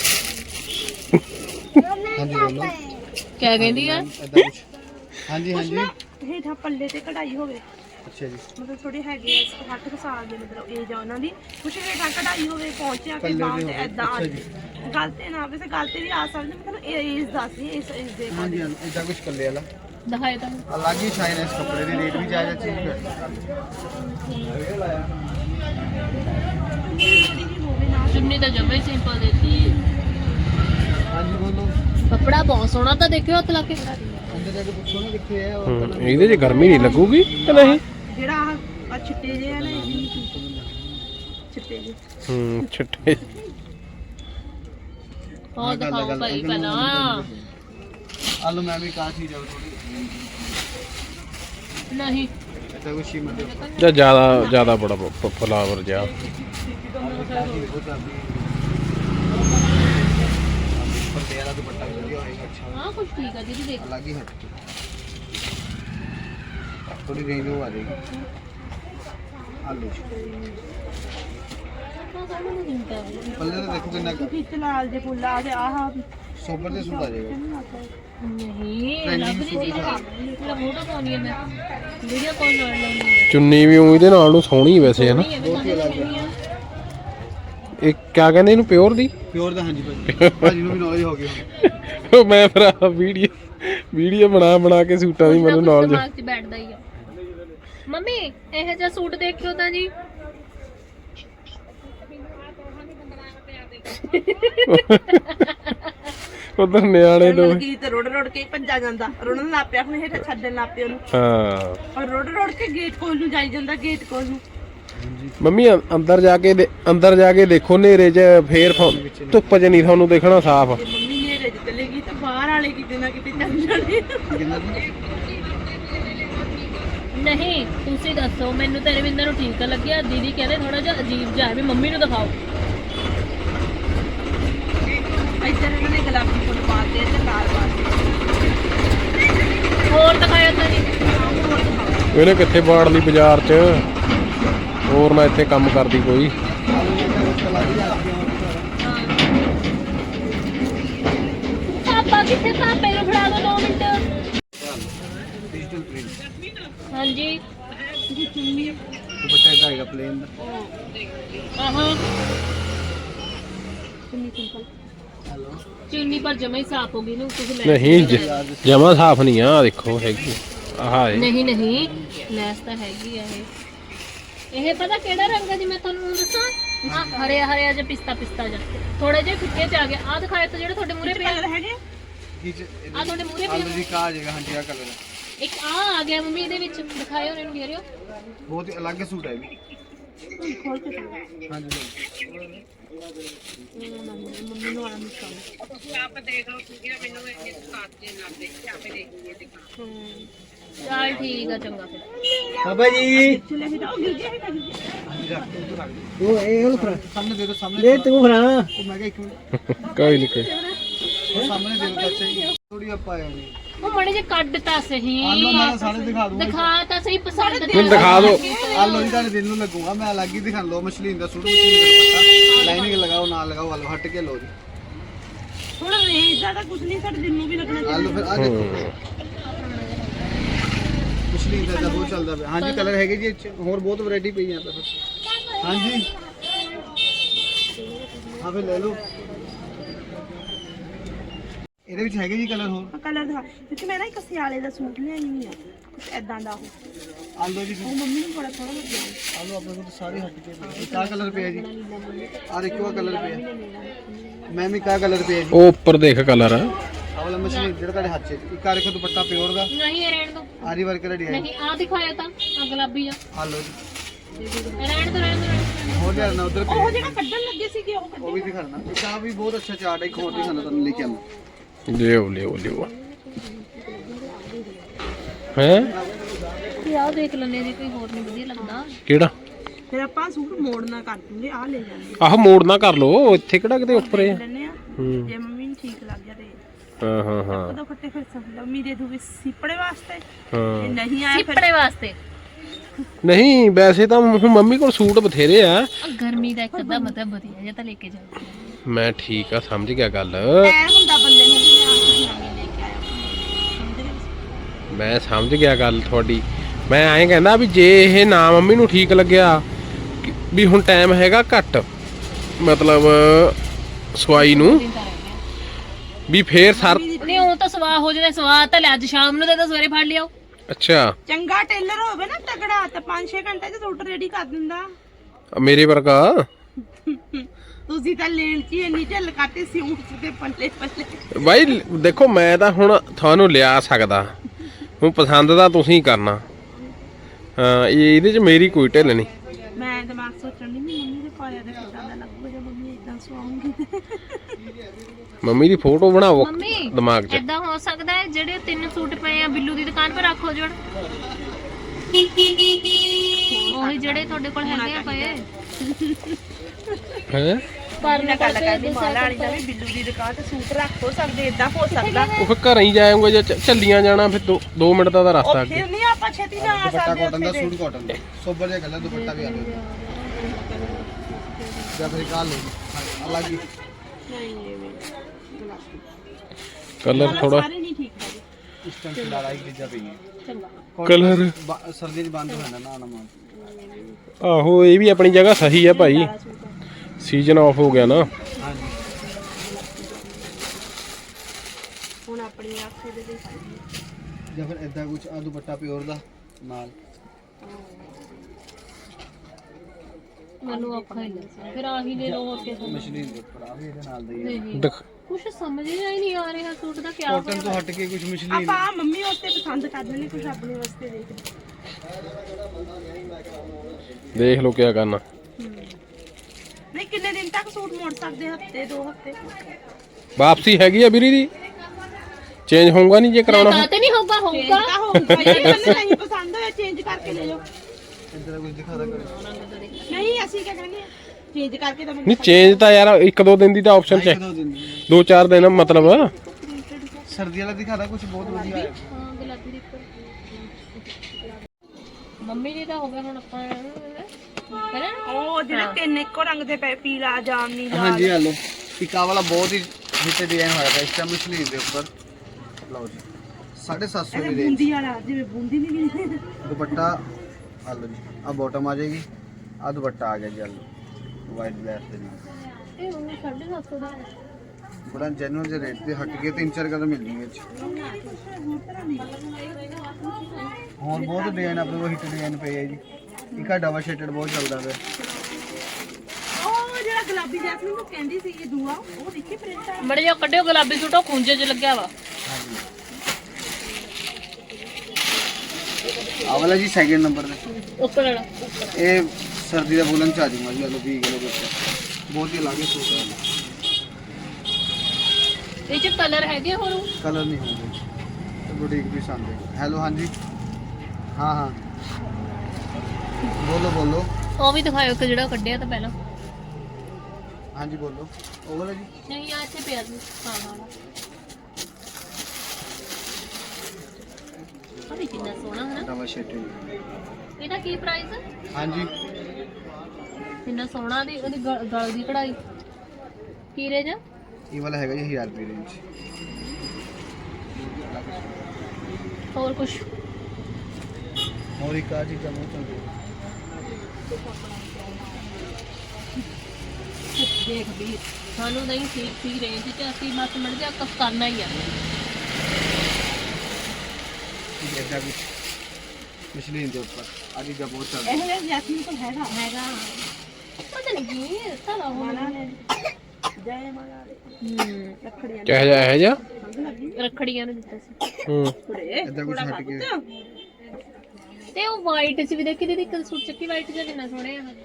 [SPEAKER 3] ਹਾਂਜੀ ਬੋਲੋ
[SPEAKER 1] ਕਿਆ ਕਹਿੰਦੀ ਆ?
[SPEAKER 3] ਏਦਾਂ ਕੁਛ। ਹਾਂਜੀ ਹਾਂਜੀ
[SPEAKER 4] ਹੇਠਾਂ ਪੱਲੇ ਤੇ ਕਢਾਈ ਹੋਵੇ।
[SPEAKER 3] ਅੱਛਾ ਜੀ
[SPEAKER 4] ਮਤਲਬ ਥੋੜੀ ਹੈਗੀ ਐ ਸੱਠ ਕੁ ਸਾਲ ਦੇ ਮਤਲਬ ਏਜ ਆ ਉਹਨਾਂ ਦੀ ਕੁਛ ਰੇਟਾਂ ਕਢਾਈ ਹੋਵੇ ਪਹੁੰਚਿਆ ਕਿ ਬਾਹਰ ਤੇ ਐਦਾਂ ਆ ਜਾਵੇ ਗੱਲ ਤੇ ਨਾ ਵੈਸੇ ਗੱਲ ਤੇ ਵੀ ਆ ਸਕਦੇ ਮੈਂ ਤੁਹਾਨੂੰ ਏਜ ਦੱਸ ਰਹੀ ਇਸ ਏਜ ਦੇ
[SPEAKER 3] ਹਾਂਜੀ ਹਾਂ ਇਦਾਂ ਕੁਝ ਕੱਲੇ ਵਾਲਾ
[SPEAKER 1] ਦਿਖਾਏ ਤਾਂ
[SPEAKER 3] ਅਲੱਗ ਹੀ ਸ਼ਾਈਨ ਹੈ ਇਸ ਕੱਪੜੇ ਦੀ ਰੇਟ ਵੀ ਜਾਇਜ਼ ਚੀਜ਼ ਹੈ
[SPEAKER 1] ਚੁੰਨੀ ਤਾਂ ਜਮੇ ਸਿੰਪਲ ਦੇਤੀ
[SPEAKER 3] ਹਾਂਜੀ ਬੋਲੋ
[SPEAKER 1] ਕੱਪੜਾ ਬਹੁਤ ਸੋਹਣਾ ਤਾਂ ਦੇਖਿਓ ਹੱਥ ਲਾ ਕੇ
[SPEAKER 3] ਅੰਦਰ ਜਾ ਕੇ ਪੁੱਛੋ ਨਾ ਕਿੱਥੇ ਹੈ ਉਹ
[SPEAKER 2] ਹੂੰ ਇਹਦੇ 'ਚ ਗਰਮੀ ਨਹੀਂ ਲੱਗੂਗੀ ਕਿ ਨਹੀਂ
[SPEAKER 4] ਜਿਹੜਾ ਆ ਛਿੱਟੇ ਜਿਹੇ ਆ ਨਾ ਇਹ ਛਿੱਟੇ ਜਿਹੇ
[SPEAKER 2] ਹੂੰ ਛਿੱਟੇ
[SPEAKER 1] ਹੋਰ ਦਿਖਾਓ ਭਾਈ ਪਹਿਲਾਂ
[SPEAKER 3] ਆਲੂ ਮੈਂ ਵੀ ਕਾ ਚੀਜ਼ ਆਉ ਥੋੜੀ
[SPEAKER 1] ਨਹੀਂ
[SPEAKER 3] ਇਦਾਂ ਕੁਛ ਹੀ ਮਤਲਬ
[SPEAKER 2] ਜਾਂ ਜ਼ਿਆਦਾ ਜ਼ਿਆਦਾ ਬੜਾ ਫਲਾਵਰ ਜਿਹਾ
[SPEAKER 3] ਬੰਦੇ ਵਾਲਾ ਦੁਪੱਟਾ ਵੀ ਵਧੀਆ ਹੋਏਗਾ ਅੱਛਾ
[SPEAKER 1] ਹਾਂ ਕੁਝ ਠੀਕ ਆ ਦੀਦੀ ਦੇਖ
[SPEAKER 3] ਅਲੱਗ ਹੀ ਹਟ ਕੇ ਥੋੜੀ ਰੇਂਜ ਹੋ ਆ ਜਾਏਗੀ ਆਲੂ ਪੱਲੇ ਤੇ ਦੇਖੋ ਕਿੰਨਾ
[SPEAKER 4] ਵਿੱਚ ਲਾਲ ਦੇ ਫੁੱਲ ਆ ਤੇ ਆਹ
[SPEAKER 3] ਸੋਬਰ ਦੇ ਸੂਟ ਆ ਜਾਏਗਾ
[SPEAKER 1] ਨਹੀਂ ਲੱਭ ਨਹੀਂ ਚੀਜ਼ ਮੇਰਾ ਫੋਟੋ ਪਾਉਣੀ ਹੈ ਮੈਂ ਵੀਡੀਓ ਕਾਲ ਨਾਲ ਲਾਉਣੀ ਹੈ
[SPEAKER 2] ਚੁੰਨੀ ਵੀ ਉਹਦੇ ਨਾਲ ਨੂੰ ਸੋਹਣੀ ਵੈਸੇ ਹੈ ਨਾ ਇਹ ਕਿਆ ਕਹਿੰਦੇ ਇਹਨੂੰ ਪਿਓਰ ਦੀ
[SPEAKER 3] ਪਿਓਰ ਦਾ ਹਾਂਜੀ ਭਾਜੀ ਭਾਜੀ ਨੂੰ ਵੀ ਨੌਲੇਜ ਹੋ ਗਈ
[SPEAKER 2] ਉਹ ਮੈਂ ਭਰਾ ਵੀਡੀਓ ਵੀਡੀਓ ਬਣਾ ਬਣਾ ਕੇ ਸੂਟਾਂ ਦੀ ਮੈਨੂੰ ਨੌਲੇਜ
[SPEAKER 1] ਦਿਮਾਗ 'ਚ ਬੈਠਦਾ ਹੀ ਆ ਮੰਮੀ ਇਹ ਜਿਹਾ ਸੂਟ ਦੇਖਿਓ ਤਾਂ ਜੀ
[SPEAKER 2] ਉਧਰ ਨਿਆਣੇ ਦੋ
[SPEAKER 4] ਕੀ ਤੇ ਰੋੜ ਰੋੜ ਕੇ ਭੱਜਾ ਜਾਂਦਾ ਰੋਣ ਲੱਗ ਪਿਆ ਹੁਣ ਹੇਠ ਛੱਡਣ ਲੱਗ ਪਿਆ ਉਹਨੂੰ
[SPEAKER 2] ਹਾਂ
[SPEAKER 4] ਔਰ ਰੋੜ ਰੋੜ ਕੇ ਗੇਟ ਕੋਲ ਨੂੰ ਜਾਈ ਜਾਂਦਾ ਗੇਟ ਕੋਲ ਨੂੰ
[SPEAKER 2] ਮੰਮੀ ਅੰ- ਅੰਦਰ ਜਾ ਕੇ ਦੇ- ਅੰਦਰ ਜਾ ਕੇ ਦੇਖੋ ਹਨੇਰੇ 'ਚ ਫੇਰ ਫੋ- ਧੁੱਪ 'ਚ ਨਹੀਂ ਤੁਹਾਨੂੰ ਦੇਖਣਾ ਸਾਫ਼
[SPEAKER 4] ਤੇ ਮੰਮੀ ਨੇਰੇ ਚ ਚਲੇਗੀ ਤਾਂ ਬਾਹਰ ਵਾਲੇ ਕਿਤੇ ਨਾ ਕਿਤੇ ਚੱਲ ਜਾਣੇ
[SPEAKER 3] ਕਿੰਨਾ
[SPEAKER 1] ਨਹੀਂ ਤੁਸੀਂ ਦੱਸੋ ਮੈਨੂੰ ਤੇ ਰਵਿੰਦਰ ਨੂੰ ਠੀਕ ਲੱਗਿਆ ਦੀਦੀ ਕਹਿੰਦੇ ਥੋੜਾ ਜਿਹਾ ਅਜੀਬ ਜਿਹਾ ਹੈ ਵੀ ਮੰਮੀ ਨੂੰ ਦਿਖਾਓ
[SPEAKER 4] ਇੱਧਰ ਇਹਨਾਂ ਨੇ ਗੁਲਾਬੀ ਫੁੱਲ ਪਾਤੇ ਤੇ ਲਾਲ ਪਾਤੇ
[SPEAKER 1] ਹੋਰ ਦਿਖਾਇਆ ਤਾਂ ਜੀ
[SPEAKER 2] ਇਹਨੇ ਕਿੱਥੇ ਬਾੜ ਲਈ ਬਾਜ਼ਾਰ 'ਚ ਹੋਰ ਨਾ ਇੱਥੇ ਕੰਮ ਕਰਦੀ ਕੋਈ
[SPEAKER 1] ਪਾਪਾ ਕਿੱਥੇ ਪਾਪੇ ਨੂੰ ਫੜਾ ਦੋ ਦੋ ਮਿੰਟ
[SPEAKER 3] ਡਿਜੀਟਲ ਪ੍ਰਿੰਟ
[SPEAKER 1] ਹਾਂਜੀ
[SPEAKER 3] ਦੁਪੱਟਾ ਇਹਦਾ ਹੈਗਾ ਪਲੇਨ ਦਾ
[SPEAKER 1] ਆਹਾਂ
[SPEAKER 4] ਕਿੰਨੀ ਸਿੰਪਲ
[SPEAKER 3] ਹੈਲੋ
[SPEAKER 1] ਚੁੰਨੀ ਪਰ ਜਮਾ ਹੀ ਸਾਫ ਹੋ ਗਈ ਨੂੰ ਤੁਸੀਂ ਲੈ
[SPEAKER 2] ਨਹੀਂ ਜਮਾ ਸਾਫ਼ ਨਹੀਂ ਆ ਦੇਖੋ ਹੈਗੀ ਆਹ ਹੈ
[SPEAKER 1] ਨਹੀਂ ਨਹੀਂ ਲੈਸ ਤਾਂ ਹੈਗੀ ਆ ਇਹ ਇਹ ਪਤਾ ਕਿਹੜਾ ਰੰਗ ਹੈ ਜੀ ਮੈਂ ਤੁਹਾਨੂੰ ਦੱਸਾਂ ਆ ਹਰਿਆ ਹਰਿਆ ਜਿਹਾ ਪਿਸਤਾ ਪਿਸਤਾ ਜਿਹਾ ਥੋੜੇ ਜਿਹਾ ਫਿੱਕੇ ਚ ਆ ਗਿਆ ਆ ਦਿਖਾਇਆ ਤਾਂ ਜਿਹੜਾ ਤੁਹਾਡੇ ਮੂਹਰੇ ਪਿਆ
[SPEAKER 4] ਕਲਰ ਹੈਗੇ
[SPEAKER 3] ਕੀ ਚ
[SPEAKER 1] ਆ ਤੁਹਾਡੇ ਮੂਹਰੇ
[SPEAKER 3] ਆਲੂ
[SPEAKER 1] ਪਿਆ
[SPEAKER 3] ਦੀ ਕਾ ਆ ਜਾਏਗਾ ਹਾਂਜੀ ਆ ਕਲਰ
[SPEAKER 1] ਇੱਕ ਆ ਆ ਗਿਆ ਮੰਮੀ ਇਹਦੇ ਵਿੱਚ ਦਿਖਾਇਓ ਉਹਨਾਂ ਨੂੰ ਘੇਰਿਓ
[SPEAKER 3] ਬਹੁਤ ਹੀ ਅਲੱਗ ਸੂਟ ਹੈ ਵੀ
[SPEAKER 4] ਖੋਲ ਕੇ
[SPEAKER 3] ਹਾਂਜੀ
[SPEAKER 4] ਮੰਮੀ ਨੂੰ ਆਣਾ ਮੁਸ਼ਕਲ
[SPEAKER 1] ਚਲ ਠੀਕ ਆ ਚੰਗਾ ਫਿਰ
[SPEAKER 3] ਬਾਬਾ ਜੀ
[SPEAKER 4] ਚਲੇ ਹੀ ਉਹ ਗਿਰ ਗਿਆ ਹੈ ਕਦੀ
[SPEAKER 3] ਹਾਂਜੀ ਰੱਖ ਦੋ ਰੱਖ ਦੋ ਉਹ ਇਹ ਉਹ ਫਰਾ ਸਾਹਮਣੇ ਦੇ ਦੋ ਸਾਹਮਣੇ
[SPEAKER 2] ਲੈ ਤੂੰ ਫਰਾ
[SPEAKER 3] ਉਹ ਮੈਂ ਕਿਹਾ ਇੱਕ ਮਿੰਟ
[SPEAKER 2] ਕੋਈ ਨਹੀਂ ਕੋਈ
[SPEAKER 3] ਉਹ ਸਾਹਮਣੇ ਦੇ ਦੋ ਚਾਚਾ ਜੀ ਥੋੜੀ ਆਪਾਂ ਆਏ ਹੋਣੀ
[SPEAKER 1] ਉਹ ਮੜੇ ਜੇ ਕੱਢ ਤਾਂ ਸਹੀ
[SPEAKER 3] ਆਲੂ ਮੈਂ ਸਾਰੇ ਦਿਖਾ ਦੂੰਗਾ
[SPEAKER 1] ਦਿਖਾ ਤਾਂ ਸਹੀ ਪਸੰਦ
[SPEAKER 2] ਮੈਨੂੰ ਦਿਖਾ ਦਿਓ
[SPEAKER 3] ਆਲੂ ਜੀ ਤੁਹਾਡੇ ਦਿਲ ਨੂੰ ਲੱਗੂਗਾ ਮੈਂ ਅਲੱਗ ਹੀ ਦਿਖਾ ਲਓ ਮਛਲੀ ਦਾ ਸੂਟ ਮਛਲੀ ਦਾ ਦੁਪੱਟਾ ਲਾਈਨਿੰਗ ਲਗਾਓ ਨਾਲ ਲਗਾਓ ਆਲੂ ਹਟ ਕੇ ਲਓ ਜੀ
[SPEAKER 4] ਹੁਣ ਰੇਂਜ ਦਾ ਤਾਂ ਕੁਝ ਨਹੀਂ ਸਾਡੇ ਦਿਲ ਨੂੰ ਵੀ ਲੱਗਣਾ
[SPEAKER 3] ਆਲੂ ਫਿਰ ਆ ਦੇਖੋ ਮਛਲੀ ਦਾ ਤਾਂ ਬਹੁਤ ਚੱਲਦਾ ਪਿਆ ਹਾਂਜੀ ਕਲਰ ਹੈਗੇ ਜੀ ਇਹ 'ਚ, ਹੋਰ ਬਹੁਤ ਵੈਰਾਈਟੀ ਪਈ ਹੈ ਤਾਂ ਫਿਰ ਹਾਂਜੀ ਹਾਂ ਫਿਰ ਲੈ ਲਓ ਇਹਦੇ ਵਿੱਚ ਹੈਗੇ ਜੀ ਕਲਰ ਹੋਰ
[SPEAKER 4] ਕਲਰ ਦਾ ਕਿਉਂਕਿ ਮੈਂ ਨਾ ਇੱਕ ਸਿਆਲੇ ਦਾ ਸੂਟ ਲਿਆਈ ਹੋਈ ਆ ਕੁਝ ਐਦਾਂ ਦਾ ਉਹ
[SPEAKER 3] ਆਲੂ ਜੀ
[SPEAKER 4] ਉਹ ਮੰਮੀ ਨੂੰ ਬੜਾ ਸੋਹਣਾ ਲੱਗਿਆ
[SPEAKER 3] ਆਲੂ ਆਪਣੇ ਕੋਲ ਤਾਂ ਸਾਰੇ ਹਟ ਕੇ ਪਏ ਇੱਕ ਆਹ ਕਲਰ ਪਿਆ ਜੀ ਆਹ ਦੇਖੋ ਆਹ ਕਲਰ ਪਿਆ ਮੈਂ ਵੀ ਕਾ ਕਲਰ ਪਿਆ ਜੀ
[SPEAKER 2] ਉਹ ਉੱਪਰ ਦੇਖ ਕਲਰ
[SPEAKER 3] ਆਹ ਵਾਲਾ ਮਛਲੀ ਜਿਹੜਾ ਤੁਹਾਡੇ ਹੱਥ 'ਚ ਇੱਕ ਆ ਦੇਖੋ ਦੁਪੱਟਾ ਪਿਓਰ ਦਾ
[SPEAKER 1] ਨਹੀਂ ਇਹ ਰਹਿਣ ਦੋ
[SPEAKER 3] ਆਰੀ ਵਰਕ ਦਾ ਡਿਜ਼ਾਈਨ
[SPEAKER 1] ਨਹੀਂ ਆ ਦਿਖਾਇਆ ਤਾਂ ਆ ਗੁਲਾਬੀ ਜਿਹਾ
[SPEAKER 3] ਆਲੂ ਜੀ
[SPEAKER 1] ਰਹਿਣ ਦੋ ਰਹਿਣ ਦੋ
[SPEAKER 3] ਹੋਰ ਲਿਆਣਾ ਉਧਰ
[SPEAKER 4] ਉਹ ਜਿਹੜਾ ਕੱਢਣ ਲੱਗੇ ਸੀਗੇ ਉਹ
[SPEAKER 3] ਉਹ ਵੀ ਦਿਖਾਣਾ ਇੱਕ ਆ ਵੀ ਬਹੁਤ ਅੱਛਾ ਚਾਰਟ ਹੈ ਇੱਕ ਹੋਰ ਦਿਖਾਣਾ ਤੁਹਾਨੂੰ ਲੈ ਕੇ ਆਉਂਦਾ
[SPEAKER 2] ਲਿਓ ਲਿਓ ਲਿਓ ਹੈ
[SPEAKER 1] ਇਹ ਆ ਦੇਖ ਲੈਣੇ ਜੀ ਕੋਈ ਹੋਰ ਨਹੀਂ ਵਧੀਆ ਲੱਗਦਾ
[SPEAKER 2] ਕਿਹੜਾ
[SPEAKER 4] ਫਿਰ ਆਪਾਂ ਸੂਟ ਮੋੜਨਾ ਕਰ ਦੂੰਗੇ ਆ ਲੈ ਜਾਂਗੇ
[SPEAKER 2] ਆਹ ਮੋੜ ਨਾ ਕਰ ਲੋ ਇੱਥੇ ਕਿਹੜਾ ਕਿਤੇ ਉੱਪਰ ਹੈ
[SPEAKER 4] ਲੈਣੇ ਆ
[SPEAKER 2] ਹੂੰ
[SPEAKER 4] ਜੇ ਮੰਮੀ ਨੂੰ ਠੀਕ ਲੱਗ ਜਾ ਤੇ
[SPEAKER 2] ਹਾਂ ਹਾਂ ਹਾਂ
[SPEAKER 4] ਉਹਦਾ ਫੱਟੇ ਫਿਰ ਮੰਮੀ ਦੇ ਦੂਗੀ ਸਿੱਪੜੇ ਵਾਸਤੇ ਜੇ
[SPEAKER 2] ਹਾਂ
[SPEAKER 4] ਨਹੀਂ ਆਇਆ ਫਿਰ
[SPEAKER 1] ਸਿੱਪੜੇ ਵਾਸਤੇ
[SPEAKER 2] ਨਹੀਂ ਵੈਸੇ ਤਾਂ ਹੁਣ ਮੰਮੀ ਕੋਲ ਸੂਟ ਬਥੇਰੇ ਆ
[SPEAKER 1] ਆ ਗਰਮੀ ਦਾ ਇੱਕ ਅੱਧਾ ਮਤਲਬ ਵਧੀਆ ਜਿਹਾ ਤਾਂ ਲੈ ਕੇ ਜਾਓ
[SPEAKER 2] ਮੈਂ ਠੀਕ ਆ ਸਮਝ ਗਿਆ ਗੱਲ
[SPEAKER 4] ਐ ਹੁੰਦਾ ਬੰਦੇ ਨੂੰ ਵੀ ਮੈਂ ਆਹ ਚੀਜ਼ ਨਵੀਂ ਲੈ ਕੇ ਆਇਆ ਸਮਝ ਗਏ?
[SPEAKER 2] ਮੈਂ ਸਮਝ ਗਿਆ ਗੱਲ ਤੁਹਾਡੀ ਮੈਂ ਐਂ ਕਹਿੰਦਾ ਵੀ ਜੇ ਇਹ ਨਾ ਮੰਮੀ ਨੂੰ ਠੀਕ ਲੱਗਿਆ ਕਿ- ਵੀ ਹੁਣ ਟਾਈਮ ਹੈਗਾ ਘੱਟ ਮਤਲਬ ਸਵਾਈ ਨੂੰ ਵੀ ਫੇਰ ਸਰ
[SPEAKER 1] ਨਹੀਂ ਉਹ ਤਾਂ ਸਵਾਹ ਹੋ ਜਾਣਾ, ਸਵਾਹ ਤਾਂ ਲੈ ਅੱਜ ਸ਼ਾਮ ਨੂੰ ਤੇ ਤਾਂ ਸਵੇਰੇ ਫੜ ਲਿਆਓ।
[SPEAKER 2] ਅੱਛਾ
[SPEAKER 4] ਚੰਗਾ ਟੇਲਰ ਹੋਵੇ ਨਾ ਤਗੜਾ ਤਾਂ ਪੰਜ ਛੇ ਘੰਟੇ ਚ ਸੂਟ ਰੈਡੀ ਕਰ ਦਿੰਦਾ।
[SPEAKER 2] ਮੇਰੇ ਵਰਗਾ
[SPEAKER 4] ਤੁਸੀਂ ਤਾਂ ਲੈਣ ਚ ਹੀ ਇੰਨੀ ਢਿੱਲ ਕੱਟੇ ਸੂਟ ਦੇ ਪੱਲੇ ਪੱਲੇ।
[SPEAKER 2] ਬਾਈ ਦੇਖੋ ਮੈਂ ਤਾਂ ਹੁਣ ਤੁਹਾਨੂੰ ਲਿਆ ਸਕਦਾ, ਹੁਣ ਪਸੰਦ ਤਾਂ ਤੁਸੀਂ ਕਰਨਾ। ਹਾਂ ਇਹ ਇਹਦੇ ਚ ਮੇਰੀ ਕੋਈ ਢਿੱਲ ਨਹੀਂ।
[SPEAKER 4] ਮੈਂ ਦਿਮਾਗ ਸੋਚਣ ਦੀ ਮੰਮੀ ਦੇ ਪਾਇਆ ਦੇ ਕਿੱਦਾਂ ਦਾ ਲੱਗੂਗਾ ਜੇ ਮੰਮੀ ਇਦਾਂ ਸਵਾਉਂਗੀ।
[SPEAKER 2] ਮੰਮੀ ਦੀ ਫੋਟੋ ਬਣਾਓ
[SPEAKER 1] ਮੰਮੀ
[SPEAKER 2] ਦਿਮਾਗ 'ਚ।
[SPEAKER 1] ਏਦਾਂ ਹੋ ਸਕਦਾ ਹੈ ਜਿਹੜੇ ਤਿੰਨ ਸੂਟ ਪਏ ਆ ਬਿੱਲੂ ਦੀ ਦੁਕਾਨ 'ਤੇ ਰੱਖ ਹੋ ਜਾਣ, ਉਹੀ ਜਿਹੜੇ ਤੁਹਾਡੇ ਕੋਲ ਹੈਗੇ ਆ ਪਏ।
[SPEAKER 2] ਹੈ
[SPEAKER 1] ਪਰ
[SPEAKER 4] ਮੈਂ ਗੱਲ ਕਰਦੀ ਮਾਲਾ ਵਾਲੀ ਦਾ ਵੀ ਬਿੱਲੂ ਦੀ ਦੁਕਾਨ ਤੇ ਸੂਟ ਰੱਖ ਹੋ ਸਕਦੇ, ਇਦਾਂ ਹੋ ਸਕਦਾ।
[SPEAKER 2] ਉਹ ਫਿਰ ਘਰ ਹੀ ਜਾਏਗਾ ਜੇ ਚ- ਚੱਲੀਆਂ ਜਾਣਾ ਫਿਰ ਦੋ ਦੋ ਮਿੰਟ ਦਾ ਤਾਂ ਰਸਤਾ
[SPEAKER 4] ਉਹ
[SPEAKER 2] ਅੱਗੇ।
[SPEAKER 4] ਫਿਰ ਨਹੀਂ ਆਪਾਂ ਛੇਤੀ ਨਾ ਆ
[SPEAKER 3] ਦੁਪੱਟਾ
[SPEAKER 4] ਸਕਦੇ
[SPEAKER 3] ਕਾਟਨ ਦਾ,
[SPEAKER 4] ਉੱਥੇ
[SPEAKER 3] ਸੂਟ ਕਾਟਨ ਦਾ, ਸੋਬਰ ਜਿਹਾ ਕਲਰ, ਦੁਪੱਟਾ ਵੀ ਆ ਜਾਊਗਾ। ਜਾਂ ਫਿਰ ਕਾਲ ਲਓ ਜੀ, ਅਲੱਗ ਹੀ
[SPEAKER 2] ਕਲਰ ਥੋੜਾ
[SPEAKER 4] ਸਾਰੇ ਨਹੀਂ ਠੀਕ ਹੈਗੇ।
[SPEAKER 3] ਇਸ ਟਾਈਮ ਤੇ ਲੜਾਈ ਗਿੱਜਾ ਪਈ ਹੈ।
[SPEAKER 1] ਚੰਗਾ
[SPEAKER 2] ਕਲਰ
[SPEAKER 3] ਸਰਦੀ ਚ ਬੰਦ ਹੋ ਜਾਣਾ ਨਾ ਨਾ ਮਾਲ।
[SPEAKER 2] ਆਹੋ ਇਹ ਵੀ ਆਪਣੀ ਜਗ੍ਹਾ ਸਹੀ ਹੈ ਭਾਈ, ਸੀਜ਼ਨ ਆਫ ਹੋ ਗਿਆ ਨਾ।
[SPEAKER 3] ਹਾਂਜੀ
[SPEAKER 4] ਹੁਣ ਆਪਣੀ ਆਖੇ ਦੇ ਲਈ ਸਾਡੀ
[SPEAKER 3] ਜਾਂ ਫਿਰ ਇਦਾਂ ਕੁਝ ਆ ਦੁਪੱਟਾ ਪਿਓਰ ਦਾ ਨਾਲ।
[SPEAKER 1] ਮੈਨੂੰ ਔਖਾ ਹੀ ਲੱਗਦਾ ਫਿਰ ਆਹੀ ਦੇ ਲੋ ਹੋਰ ਕਿਸੇ ਨੂੰ।
[SPEAKER 3] ਮਸ਼ੀਨ ਦੇ ਉੱਪਰ ਆ ਵੀ ਇਹਦੇ ਨਾਲ ਦਾ ਹੀ ਹੈ।
[SPEAKER 1] ਨਹੀਂ
[SPEAKER 2] ਦਿਖ
[SPEAKER 1] ਕੁਛ ਸਮਝ ਹੀ ਨਹੀਂ ਆ ਰਿਹਾ ਸੂਟ ਦਾ ਕੀ
[SPEAKER 3] ਕਾਟਨ ਤੋਂ ਹਟ ਕੇ ਕੁਝ ਮਸ਼ੀਨ
[SPEAKER 4] ਆਪਾਂ ਆਹ ਮੰਮੀ ਵਾਸਤੇ ਪਸੰਦ ਕਰਦੇ ਨੇ, ਕੁਝ ਆਪਣੇ ਵਾਸਤੇ ਦੇਖਦੇ।
[SPEAKER 2] ਦੇਖ ਲਓ ਕੀ ਕਰਨਾ।
[SPEAKER 4] ਨਹੀਂ ਕਿੰਨੇ ਦਿਨ ਤੱਕ ਸੂਟ ਮੋੜ ਸਕਦੇ, ਹਫਤੇ ਦੋ ਹਫਤੇ?
[SPEAKER 2] ਵਾਪਸੀ ਹੈਗੀ ਆ ਵੀਰੀ ਦੀ, ਚੇਂਜ ਹੋਊਗਾ ਨਹੀਂ ਜੇ ਕਰਾਉਣਾ
[SPEAKER 1] ਤਾਂ ਤੇ ਨਹੀਂ ਹੋਊਗਾ ਹੋਊਗਾ
[SPEAKER 4] ਤਾਂ ਹੋਊਗਾ ਹੀ, ਮੈਨੂੰ ਨਹੀਂ ਪਸੰਦ ਹੋਇਆ ਚੇਂਜ ਕਰਕੇ ਲੈ ਜਾਓ।
[SPEAKER 3] ਇਧਰ ਕੁਝ ਦਿਖਾ ਦਾ ਕਰੇ।
[SPEAKER 4] ਨਹੀਂ ਅਸੀਂ ਕੀ ਕਹਿੰਦੇ ਚੇਂਜ ਕਰਕੇ ਤਾਂ
[SPEAKER 2] ਨਹੀਂ
[SPEAKER 4] ਮੈਨੂੰ
[SPEAKER 2] ਚੇਂਜ ਤਾਂ ਯਾਰ ਇੱਕ ਦੋ ਦਿਨ ਦੀ ਤਾਂ ਆਪਸ਼ਨ ਚ ਹੈ।
[SPEAKER 3] ਦੋ ਦਿਨ
[SPEAKER 2] ਦੋ ਚਾਰ ਦਿਨ ਮਤਲਬ
[SPEAKER 3] ਸਰਦੀ ਵਾਲਾ ਦਿਖਾ ਦਾ, ਕੁਝ ਬਹੁਤ ਵਧੀਆ ਹੈ।
[SPEAKER 1] ਹਾਂ ਗੁਲਾਬੀ ਦੇ ਉੱਪਰ ਮੰਮੀ ਜੀ ਦਾ ਹੋ ਗਿਆ ਹੁਣ ਆਪਾਂ ਹੈ ਨਾ।
[SPEAKER 4] ਉਹ ਜਿਹੜੇ ਤਿੰਨ ਇੱਕੋ ਰੰਗ ਦੇ ਪਏ, ਪੀਲਾ ਜਾਮਨੀ ਲਾਲ।
[SPEAKER 3] ਹਾਂਜੀ ਆ ਲਓ, ਟਿਕਾ ਵਾਲਾ ਬਹੁਤ ਹੀ ਹਿੱਟ ਡਿਜ਼ਾਈਨ ਹੋਇਆ ਹੈ ਇਸ ਟਾਈਮ ਮਸ਼ਲੀਨ ਦੇ ਉੱਪਰ। ਲਓ ਜੀ ਸਾਢੇ ਸੱਤ ਸੌ ਦੀ ਰੇਂਜ।
[SPEAKER 4] ਬੂੰਦੀ ਵਾਲਾ ਜਿਵੇਂ ਬੂੰਦੀ ਨਹੀਂ ਮਿਲਦੀ।
[SPEAKER 3] ਦੁਪੱਟਾ ਆ ਲਓ ਜੀ, ਆ ਬਾਟਮ ਆ ਜਾਏਗੀ, ਆ ਦੁਪੱਟਾ ਆ ਗਿਆ ਜੀ। ਆ ਲਓ ਵਾਈਟ ਬਲੈਕ ਦੇ ਨਾਲ,
[SPEAKER 1] ਇਹ ਉਹ ਸਾਢੇ ਸੱਤ ਸੌ ਦਾ ਹੈ।
[SPEAKER 3] ਬੜਾ ਜੈਨੂਅਲ ਜਿਹੇ ਰੇਟ ਤੇ ਹਟ ਕੇ ਤਿੰਨ ਚਾਰ ਕਲਰ ਮਿਲ ਜਾਣਗੇ ਇਹ 'ਚ। ਹੋਰ ਬਹੁਤ ਡਿਜ਼ਾਈਨ ਆਪਣੇ ਕੋਲ ਹਿੱਟ ਡਿਜ਼ਾਈਨ ਪਏ ਹੈ ਜੀ। ਇੱਕ ਆ ਡਬਲ ਸ਼ੇਡਡ ਬਹੁਤ ਚੱਲਦਾ ਪਿਆ।
[SPEAKER 4] ਉਹ ਜਿਹੜਾ ਗੁਲਾਬੀ ਜੈਸਮੀਨ ਨੂੰ ਕਹਿੰਦੀ ਸੀ ਇਹ ਦੂਆ, ਉਹ ਦੇਖੀ ਪ੍ਰਿੰਟ ਆ।
[SPEAKER 1] ਬੜੇ ਜਿਹਾ ਕੱਢਿਓ ਗੁਲਾਬੀ ਸੂਟ, ਉਹ ਖੁੰਝੇ 'ਚ ਲੱਗਿਆ ਵਾ।
[SPEAKER 3] ਆ ਵਾਲਾ ਜੀ ਸੈਕਿੰਡ ਨੰਬਰ ਤੇ,
[SPEAKER 1] ਉੱਪਰ ਵਾਲਾ
[SPEAKER 3] ਇਹ ਸਰਦੀ ਦਾ ਬੁਲਨ ਚ ਆ ਜਾਊਗਾ ਜੀ। ਆ ਲਓ ਵੀਹ ਕਿਲੋ ਦੇ ਉੱਤੇ ਬਹੁਤ ਹੀ ਅਲੱਗ ਹੀ ਸੂਟ ਹੈ।
[SPEAKER 1] ਇਹ 'ਚ ਕਲਰ ਹੈਗੇ ਹੋਰ?
[SPEAKER 3] ਕਲਰ ਨਹੀਂ ਹੋਊਗੇ, ਬੁਟੀਕ ਵੀ ਸੰਦੇ। ਹੈਲੋ ਹਾਂਜੀ ਹਾਂ ਹਾਂ ਬੋਲੋ ਬੋਲੋ
[SPEAKER 1] ਉਹ ਵੀ ਦਿਖਾਇਓ ਕਿ ਜਿਹੜਾ ਕੱਢਿਆ ਤਾਂ ਪਹਿਲਾਂ।
[SPEAKER 3] ਹਾਂਜੀ ਬੋਲੋ। ਉਹ ਵਾਲਾ ਜੀ
[SPEAKER 1] ਨਹੀਂ ਆ ਇੱਥੇ ਪਿਆ ਸੀ। ਹਾਂ ਹਾਂ ਆ ਵੀ ਕਿੰਨਾ ਸੋਹਣਾ ਹੈ ਨਾ।
[SPEAKER 3] Double shaded.
[SPEAKER 1] ਇਹਦਾ ਕੀ ਪ੍ਰਾਈਸ ਹੈ?
[SPEAKER 3] ਹਾਂਜੀ
[SPEAKER 1] ਕਿੰਨਾ ਸੋਹਣਾ ਦੀ ਉਹਦੀ ਗਲ ਗਲ ਦੀ ਕਢਾਈ ਕੀ ਰੇਂਜ ਆ?
[SPEAKER 3] ਇਹ ਵਾਲਾ ਹੈਗਾ ਜੀ ਹਜ਼ਾਰ ਰੁਪਏ ਰੇਂਜ।
[SPEAKER 1] ਹੋਰ ਕੁਛ
[SPEAKER 3] ਹੋਰ ਇੱਕ ਆ ਚੀਜ਼ਾਂ ਬਹੁਤ ਚੱਲਦੀ
[SPEAKER 1] ਦੇਖ ਵੀ ਸਾਨੂੰ ਨਹੀਂ ਠੀਕ ਸੀ ਰੇਂਜ ਚ, ਅਸੀਂ ਬਸ ਮਿਲ ਜਾ ਕੁਛ ਕਰਨਾ ਹੀ ਆ।
[SPEAKER 3] ਇਦਾਂ ਕੁਝ ਮਸ਼ਲੀਨ ਦੇ ਉੱਪਰ ਆ ਚੀਜ਼ਾਂ ਬਹੁਤ ਚੱਲਦੀ।
[SPEAKER 4] ਇਹ ਜਿਹੜਾ ਜੈਸਮੀਨ ਕੋਲ ਹੈਗਾ
[SPEAKER 1] ਹੈਗਾ ਪਤਾ ਨਹੀਂ ਕੀ ਸਾਲਾ ਉਹ
[SPEAKER 4] ਮਾਲਾ ਨੇ ਜੈ ਮਾਲਾ
[SPEAKER 1] ਹੂੰ
[SPEAKER 4] ਰੱਖੜੀਆਂ
[SPEAKER 2] ਕਿਹੋ ਜਿਹਾ ਇਹੋ ਜਿਹਾ
[SPEAKER 1] ਰੱਖੜੀਆਂ ਨੂੰ ਦਿੱਤਾ ਸੀ।
[SPEAKER 2] ਹੂੰ
[SPEAKER 4] ਕੁੜੇ
[SPEAKER 3] ਇਦਾਂ ਕੁਝ ਹਟ ਕੇ
[SPEAKER 1] ਤੇ ਉਹ ਵਾਈਟ ਚ ਵੀ ਦੇਖੀ ਦੀਦੀ ਇੱਕ ਸੂਟ ਚੱਕੀ ਵਾਈਟ ਜਿਹਾ ਕਿੰਨਾ ਸੋਹਣਾ ਆ।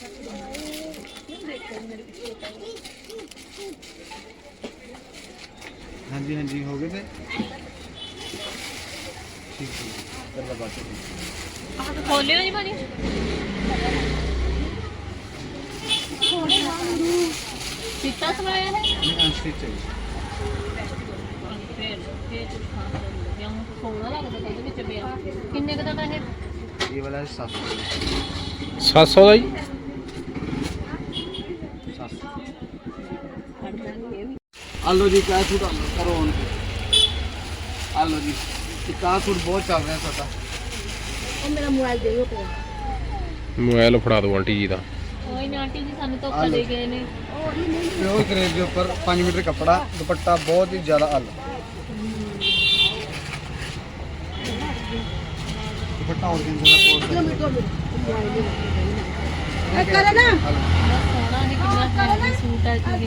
[SPEAKER 3] ਹਾਂਜੀ ਹਾਂਜੀ ਹੋ ਗਏ ਤੇ ਠੀਕ ਹੈ ਕਰਵਾ ਬਾਤ
[SPEAKER 1] ਆਹ ਖੋਲਿਓ ਜੀ ਭਾਜੀ। ਕਿੱਤਾ ਸਵਾਇਆ ਹੈ?
[SPEAKER 3] ਨਹੀਂ ਅਨਸਟਿਚ ਚਾਹੀਏ।
[SPEAKER 1] ਫੇਰ ਫੇਰ ਖਾਣ ਨੂੰ ਲੱਗਿਆ ਹੁਣ ਸੋਹਣਾ ਲੱਗਦਾ ਇਹਦੇ ਵਿੱਚ ਪਿਆ। ਕਿੰਨੇ ਕੁ ਦਾ ਤਾਂ ਇਹ?
[SPEAKER 3] ਇਹ ਵਾਲਾ ਸੱਤ ਸੌ
[SPEAKER 2] ਸੱਤ ਸੌ ਦਾ ਜੀ।
[SPEAKER 3] ਸੱਤ ਸੌ ਆ ਲਓ ਜੀ ਕਿਆ ਸੂਟ ਕਰੋ ਹੁਣ। ਆ ਲਓ ਜੀ ਇੱਕ ਆਹ ਸੂਟ ਬਹੁਤ ਚੱਲ ਰਿਹਾ ਸਾਡਾ
[SPEAKER 4] ਉਹ ਮੇਰਾ ਮੋਬਾਈਲ ਦੇ ਦਿਓ ਪਿਆ
[SPEAKER 2] ਮੋਬਾਈਲ ਫੜਾ ਦਿਓ ਆਂਟੀ ਜੀ ਦਾ।
[SPEAKER 1] ਕੋਈ ਨਾ ਆਂਟੀ ਜੀ ਸਾਨੂੰ ਧੋਖਾ ਦੇ ਗਏ ਨੇ।
[SPEAKER 3] प्योर क्रेप के ऊपर पाँच मीटर कपड़ा, दुपट्टा बहुत ही ज़्यादा अल दुपट्टा और
[SPEAKER 4] ਕਰੇ ਨਾ
[SPEAKER 1] ਸੋਹਣਾ ਹੈ, ਕਿੰਨਾ ਹੈਵੀ ਸੂਟ ਹੈ ਜੀ।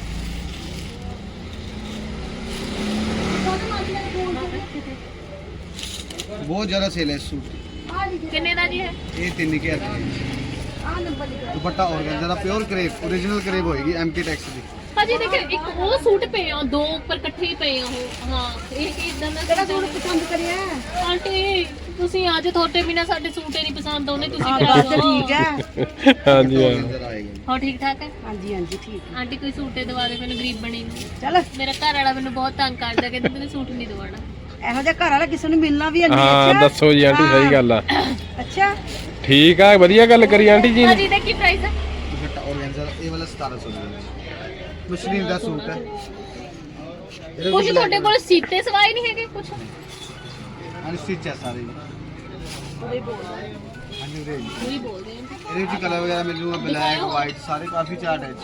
[SPEAKER 3] बहुत ज़्यादा सेल है इस सूट की।
[SPEAKER 1] ਕਿੰਨੇ ਦਾ ਜੀ ਹੈ?
[SPEAKER 3] ये तीन के आते हैं दुपट्टा और ज़्यादा प्योर क्रेप ओरिजिनल क्रेप होएगी एम के टैक्स की।
[SPEAKER 1] ਭਾਜੀ ਦੇਖੋ ਇੱਕ ਉਹ ਸੂਟ ਪਏ ਆ, ਦੋ ਉੱਪਰ ਇਕੱਠੇ ਹੀ ਪਏ ਆ ਉਹ। ਹਾਂ ਇਹ ਕੀ ਇਦਾਂ ਦਾ ਕਿਹੜਾ ਸੂਟ ਪਸੰਦ ਕਰਿਆ ਆਂਟੀ? ਤੁਸੀਂ ਅੱਜ ਤੁਹਾਡੇ ਬਿਨਾ ਸਾਡੇ ਸੂਟ ਹੀ ਨਹੀਂ ਪਸੰਦ ਆਉਣੇ, ਤੁਸੀਂ ਕਰਾ ਦਿਓ।
[SPEAKER 4] ਠੀਕ ਹੈ
[SPEAKER 2] ਹਾਂਜੀ ਹਾਂ।
[SPEAKER 3] इधर आएगा
[SPEAKER 1] ਹੋ ਠੀਕ ਠਾਕ ਹੈ
[SPEAKER 4] ਹਾਂਜੀ ਹਾਂਜੀ ਠੀਕ
[SPEAKER 1] ਆਂਟੀ? ਕੋਈ ਸੂਟ ਹੀ ਦਵਾ ਦੇ ਮੈਨੂੰ, ਗਰੀਬ ਬਣੀ ਨੂੰ।
[SPEAKER 4] ਚੱਲ
[SPEAKER 1] ਮੇਰਾ ਘਰ ਵਾਲਾ ਮੈਨੂੰ ਬਹੁਤ ਤੰਗ ਕਰਦਾ, ਕਹਿੰਦਾ ਮੈਨੂੰ ਸੂਟ ਨਹੀਂ ਦਵਾਉਣਾ।
[SPEAKER 4] ਇਹੋ ਜਿਹਾ ਘਰ ਵਾਲਾ ਕਿਸੇ ਨੂੰ ਮਿਲਣਾ ਵੀ ਨਹੀਂ।
[SPEAKER 2] ਹਾਂ ਦੱਸੋ ਜੀ ਆਂਟੀ, ਸਹੀ ਗੱਲ ਆ।
[SPEAKER 4] ਅੱਛਾ
[SPEAKER 2] ਠੀਕ ਆ, ਵਧੀਆ ਗੱਲ ਕਰੀ ਆਂਟੀ ਜੀ ਨੇ।
[SPEAKER 1] ਭਾਜੀ ਦਾ ਕੀ ਪ੍ਰਾਈਸ ਹੈ?
[SPEAKER 3] दुपट्टा और ये वाला सतारह सौ मशीन का सूट है।
[SPEAKER 1] ਕੁਝ ਤੁਹਾਡੇ ਕੋਲ ਸੀਤੇ ਸਵਾਏ ਨਹੀਂ ਹੈਗੇ ਕੁਝ?
[SPEAKER 3] अनस्टिच है सारे
[SPEAKER 1] ਉਹੀ ਬੋਲਦਾ
[SPEAKER 3] हाँ जी रेंज
[SPEAKER 1] ਉਹੀ ਬੋਲਦੇ ਆ।
[SPEAKER 3] ਇਹਦੇ ਵਿੱਚ ਕਲਰ ਵਗੈਰਾ ਮਿਲ ਜੂਗਾ, ਬਲੈਕ ਵਾਈਟ ਸਾਰੇ ਕਾਫੀ ਚਾਰਟ ਹੈ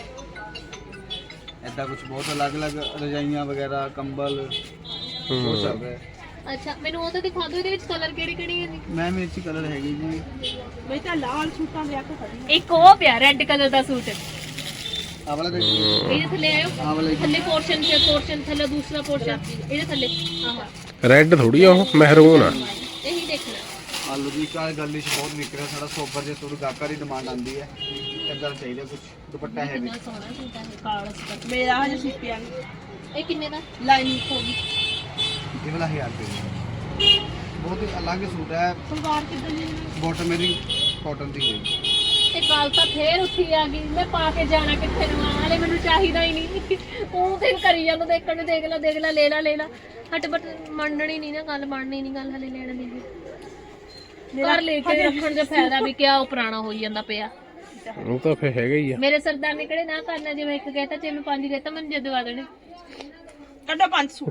[SPEAKER 3] ਐਦਾਂ ਕੁਝ ਬਹੁਤ ਅਲੱਗ-ਅਲੱਗ ਰਜਾਈਆਂ ਵਗੈਰਾ ਕੰਬਲ ਬਹੁਤ ਚੱਲ ਰਿਹਾ ਹੈ।
[SPEAKER 1] ਅੱਛਾ ਮੈਨੂੰ ਉਹ ਤਾਂ ਦਿਖਾ ਦਿਓ, ਇਹਦੇ ਵਿੱਚ ਕਲਰ ਕਿਹੜੇ ਕਿਹੜੇ ਹੈ ਜੀ?
[SPEAKER 3] ਮੈਮ ਇਹ ਚ ਕਲਰ ਹੈਗੀ ਜੀ
[SPEAKER 4] ਮੈਂ ਤਾਂ ਲਾਲ ਸੂਟਾਂ ਦੇ ਆਕੋ ਖੜੀ
[SPEAKER 1] ਇੱਕ ਉਹ ਪਿਆ ਰੈੱਡ ਕਲਰ ਦਾ ਸੂਟ,
[SPEAKER 3] ਆ ਵਾਲਾ ਦੇਖੋ
[SPEAKER 1] ਇਹਦੇ ਥੱਲੇ ਆਇਓ।
[SPEAKER 3] ਆ ਵਾਲਾ
[SPEAKER 1] ਥੱਲੇ ਪੋਰਸ਼ਨ ਤੇ ਪੋਰਸ਼ਨ ਥੱਲੇ ਦੂਸਰਾ ਪੋਰਸ਼ਨ ਇਹਦੇ ਥੱਲੇ ਆਹ
[SPEAKER 2] ਰੈੱਡ ਥੋੜੀ ਆ, ਉਹ ਮਹਿਰੂਨ ਆ।
[SPEAKER 1] ਇਹੀ ਦੇਖਣਾ।
[SPEAKER 3] ਆਲੂ ਦੀ ਕਾਲ ਗੱਲ ਵਿੱਚ ਬਹੁਤ ਨਿਕ ਰਿਹਾ ਸਾਡਾ ਸੋਬਰ ਜੇ ਥੋੜੀ ਗਾਹਕਾਂ ਦੀ ਡਿਮਾਂਡ ਆਂਦੀ ਹੈ ਇਦਾਂ ਚਾਹੀਦਾ ਕੁਝ ਦੁਪੱਟਾ ਹੈ ਵੀ
[SPEAKER 1] ਕਿੰਨਾ ਸੋਹਣਾ ਸੂਟ ਹੈ ਕਾਲਾ ਸੂਟ।
[SPEAKER 4] ਮੇਰਾ ਹਜੇ ਸਿੱਪਿਆ ਨਹੀਂ
[SPEAKER 1] ਇਹ ਕਿੰਨੇ ਦਾ?
[SPEAKER 4] ਲਾਈਨਿੰਗ ਹੋ ਗਈ
[SPEAKER 3] ਇਹ ਵਾਲਾ ਹਜ਼ਾਰ ਰੁਪਏ ਦਾ ਬਹੁਤ ਹੀ ਅਲੱਗ ਸੂਟ ਹੈ।
[SPEAKER 4] ਸਲਵਾਰ ਕਿੱਦਾਂ ਦੀ
[SPEAKER 3] ਬਾਟਮ ਮੇਰੀ ਕਾਟਨ ਦੀ ਹੋਏਗੀ।
[SPEAKER 1] ਇਹ ਕੱਲ ਤਾਂ ਫੇਰ ਉੱਠੀ ਆ ਗਈ, ਮੈਂ ਪਾ ਕੇ ਜਾਣਾ ਕਿੱਥੇ ਨੂੰ? ਹਾਲੇ ਮੈਨੂੰ ਚਾਹੀਦਾ ਹੀ ਨਹੀਂ। ਉਹ ਤੇ ਕਰੀ ਜਾਂਦਾ ਦੇਖਣ ਨੂੰ, ਦੇਖ ਲੈ ਦੇਖ ਲੈ ਲੈ ਲੈ ਲੈ ਲੈ ਹਟ ਬਟ ਮੰਨਣੀ ਨਹੀਂ ਨਾ ਗੱਲ, ਮੰਨਣੀ ਨਹੀਂ ਗੱਲ ਹਲੇ ਲੈਣ ਦੀ। ਘਰ ਲੈ ਕੇ ਰੱਖਣ ਦਾ ਫਾਇਦਾ ਵੀ ਕਿਆ, ਉਹ ਪੁਰਾਣਾ ਹੋਈ ਜਾਂਦਾ ਪਿਆ।
[SPEAKER 2] ਉਹ ਤਾਂ ਫੇ ਹੈਗਾ ਹੀ ਆ।
[SPEAKER 1] ਮੇਰੇ ਸਰਦਾਰ ਨੇ ਕਿਹੜੇ ਨਾ ਕਰਨਾ, ਜਿਵੇਂ ਇੱਕ ਕਹਿਤਾ ਜੇ ਮੈਂ ਪੰਜ ਕਹਿਤਾ ਮੈਨੂੰ ਜਦ ਦਵਾ ਦੇਣੇ।
[SPEAKER 4] ਕੱਢੋ ਪੰਜ ਸੌ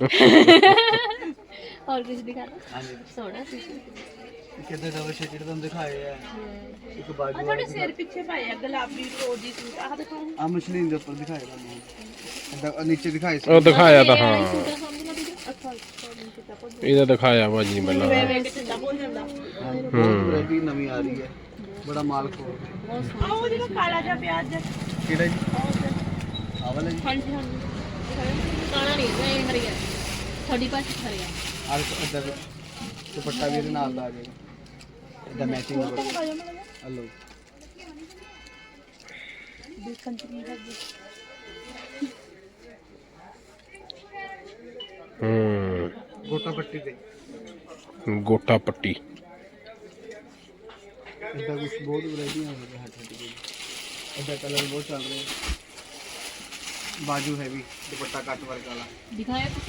[SPEAKER 1] ਹੋਰ ਕੁਝ ਦਿਖਾ ਦੋ
[SPEAKER 3] ਹਾਂਜੀ
[SPEAKER 1] ਸੋਹਣਾ ਸੀ।
[SPEAKER 3] ਕਿੱਦਾਂ ਡਬਲ ਸ਼ੇਡਡ ਤੁਹਾਨੂੰ ਦਿਖਾਏ ਆ ਇੱਕ
[SPEAKER 4] ਆ
[SPEAKER 3] ਬਾਜੂ
[SPEAKER 4] ਤੁਹਾਡੇ ਸਿਰ ਪਿੱਛੇ ਪਾਏ ਆ ਗੁਲਾਬੀ ਰੋਜੀ ਸੂਟ ਆਹ ਦੇਖੋ
[SPEAKER 3] ਆ ਮਸ਼ਲੀਨ ਦੇ ਉੱਪਰ ਦਿਖਾਏ ਤੁਹਾਨੂੰ ਇਦਾਂ ਨੀਚੇ ਦਿਖਾਏ ਸੀ
[SPEAKER 2] ਉਹ ਦਿਖਾਇਆ ਤਾਂ ਹਾਂ,
[SPEAKER 1] ਸੂਟ ਸਮਝ ਨਾ ਦੀਦੀ। ਅੱਛਾ
[SPEAKER 2] ਇਹਦਾ ਦਿਖਾਇਆ ਭਾਜੀ ਪਹਿਲਾਂ।
[SPEAKER 4] ਵੇਖ ਕਿੱਦਾਂ ਬੋਲ ਜਾਂਦਾ
[SPEAKER 3] ਬਹੁਤ ਵੈਰਾਈਟੀ ਨਵੀਂ ਆ ਰਹੀ ਹੈ, ਬੜਾ ਮਾਲ ਖੋਲ
[SPEAKER 4] ਆ ਉਹ ਜਿਹੜਾ ਕਾਲਾ ਜਿਹਾ ਪਿਆਜ਼
[SPEAKER 3] ਕਿਹੜਾ ਜੀ ਆ ਵਾਲਾ ਜੀ
[SPEAKER 4] ਹਾਂਜੀ ਹਾਂਜੀ
[SPEAKER 1] ਕਾਣਾ ਨਹੀਂ ਹੈ, ਇਹ ਹਰੀਆ ਤੁਹਾਡੀ ਪਾਸ ਹਰੀਆ।
[SPEAKER 3] ਆ ਇਦਾਂ ਦੁਪੱਟਾ ਵੀ ਇਹਦੇ ਨਾਲ ਦਾ ਆ ਜਾਏਗਾ ਇਦਾਂ ਮੈਚਿੰਗ ਹਲੋ
[SPEAKER 2] ਹੂੰ
[SPEAKER 3] ਗੋਟਾ ਪੱਟੀ ਤੇ
[SPEAKER 2] ਗੋਟਾ ਪੱਟੀ।
[SPEAKER 3] ਇਦਾਂ ਕੁਝ ਬਹੁਤ ਵੈਰਾਈਟੀਆਂ ਹੋ ਗਈਆਂ ਹੱਟ ਹੱਟ ਕੇ ਇਦਾਂ ਕਲਰ ਬਹੁਤ ਚੱਲ ਰਹੇ ਬਾਜੂ ਹੈਵੀ ਦੁਪੱਟਾ ਕੱਟ ਵਰਕ ਵਾਲਾ
[SPEAKER 1] ਦਿਖਾਇਆ ਕੁਝ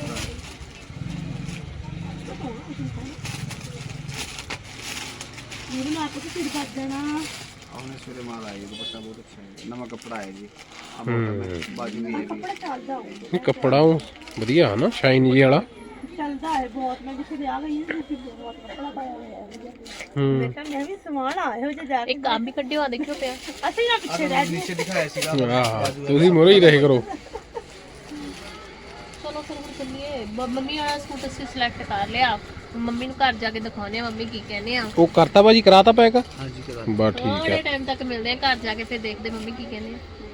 [SPEAKER 4] ਮੇਰੇ ਨਾਲ ਕੁਝ ਸਿਰ ਕੱਟ ਦੇਣਾ
[SPEAKER 3] ਆਉਣੇ ਸਵੇਰੇ ਮਾਲ ਆਏਗਾ ਦੁਪੱਟਾ ਬਹੁਤ ਅੱਛਾ ਹੈ ਨਵਾਂ ਕੱਪੜਾ ਹੈ ਜੀ ਆ ਬੋਟਮ ਹੈ ਬਾਜੂ ਵੀ ਹੈਵੀ
[SPEAKER 4] ਕੱਪੜਾ ਚੱਲਦਾ ਹੋਊ
[SPEAKER 2] ਇਹ ਕੱਪੜਾ ਉਹ ਵਧੀਆ ਹੈ ਨਾ, ਸ਼ਾਈਨ ਜੀ ਵਾਲਾ।
[SPEAKER 4] ਚੱਲਦਾ ਹੈ ਬਹੁਤ। ਮੈਂ ਕਿਸੇ ਦੇ ਆ ਗਈ ਹਾਂ ਤੁਸੀਂ ਬਹੁਤ ਕੱਪੜਾ ਪਾਇਆ ਹੋਇਆ ਹੈ
[SPEAKER 2] ਹੂੰ
[SPEAKER 4] ਬੇਟਾ ਮੈਂ ਵੀ ਸਮਾਨ ਆਇਆ ਹੋ ਜੇ ਜਾ ਕੇ
[SPEAKER 1] ਇੱਕ ਕੰਮ ਵੀ ਕੱਢਿਓ ਆ ਦੇਖਿਓ ਪਿਆ।
[SPEAKER 4] ਅਸੀਂ ਨਾ ਪਿੱਛੇ ਰਹਿ
[SPEAKER 3] ਨੀਚੇ ਦਿਖਾਇਆ ਸੀਗਾ
[SPEAKER 2] ਆਹ ਤੁਸੀਂ ਮੋਰੇ ਹੀ ਰਹੇ ਕਰੋ।
[SPEAKER 1] ਚਲੋ ਫਿਰ ਹੁਣ ਚੱਲੀਏ। ਬ- ਮੰਮੀ ਵਾਲਾ ਸੂਟ ਅਸੀਂ ਸਿਲੈਕਟ ਕਰ ਲਿਆ, ਮੰਮੀ ਨੂੰ ਘਰ ਜਾ ਕੇ ਦਿਖਾਉਂਦੇ ਆ ਮੰਮੀ ਕੀ ਕਹਿੰਦੇ ਆ।
[SPEAKER 2] ਉਹ ਕਰਤਾ ਭਾਜੀ, ਕਰਾਤਾ ਪੈਕ?
[SPEAKER 3] ਹਾਂਜੀ ਕਰਾ
[SPEAKER 2] ਬਸ ਠੀਕ
[SPEAKER 1] ਥੋੜੇ
[SPEAKER 2] ਹੈ।
[SPEAKER 1] ਟਾਈਮ ਤੱਕ ਮਿਲਦੇ ਆ ਘਰ ਜਾ ਕੇ, ਫਿਰ ਦੇਖਦੇ ਮੰਮੀ ਕੀ ਕਹਿੰਦੇ ਆ।